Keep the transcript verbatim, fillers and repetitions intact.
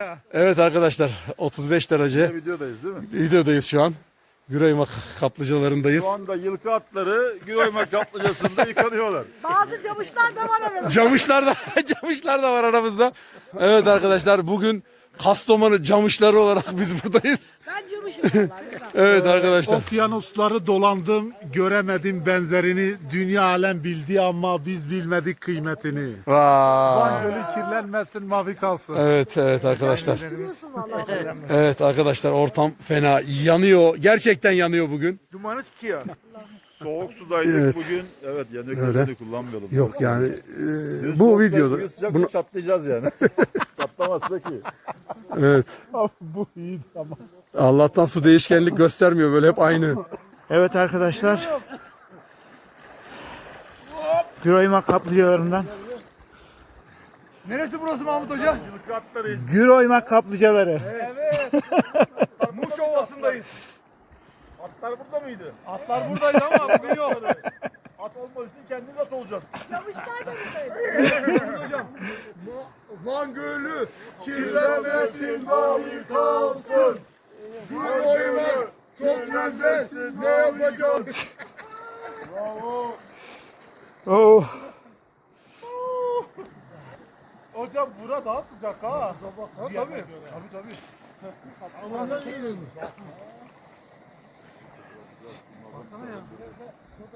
Evet arkadaşlar, otuz beş derece Videodayız değil mi? videodayız şu an. Güraymak kaplıcalarındayız. Şu anda yılkı atları Güroymak kaplıcasında yıkanıyorlar. Bazı camışlar da var aramızda. Camışlar da camışlar da var aramızda. Evet arkadaşlar, bugün Kastamonu camışları olarak biz buradayız. Ben camışım vallahi. Evet arkadaşlar. Okyanusları dolandım, göremedim benzerini. Dünya alem bildi ama biz bilmedik kıymetini. Van Vay. Gölü kirlenmesin, mavi kalsın. Evet evet arkadaşlar. Biliyorsun vallahi. Evet arkadaşlar, ortam fena yanıyor. Gerçekten yanıyor bugün. Dumanı tutuyor. Soğuk sudaydık Evet. bugün. Evet, yanık Öyle. gözünü kullanmayalım. Yok yani Bugün e, bu soğuk, videoda bugün sıcak bunu çatlayacağız yani. Çatlamazsa ki. evet. Bu iyi ama. Allah'tan su değişkenlik göstermiyor, böyle hep aynı. Evet arkadaşlar. Güroymak kaplıcalarından. Neresi burası Mahmut Hoca? Yılkı atlarıyız. Güroymak kaplıcaları. Muş Ovası'ndayız. Atlar burada mıydı? Atlar buradaydı ama bugün yok. At olmadığı için kendimiz at olacağız. Camışlar da buradaydı. Hocam. Van Gölü Kirlenmesin, mavi kalsın. Güroymak çok nefes. Ne yapacağım? Bravo. Oh. Hocam bura daha sıcak ha. Tabii tabii. Tabii tabii.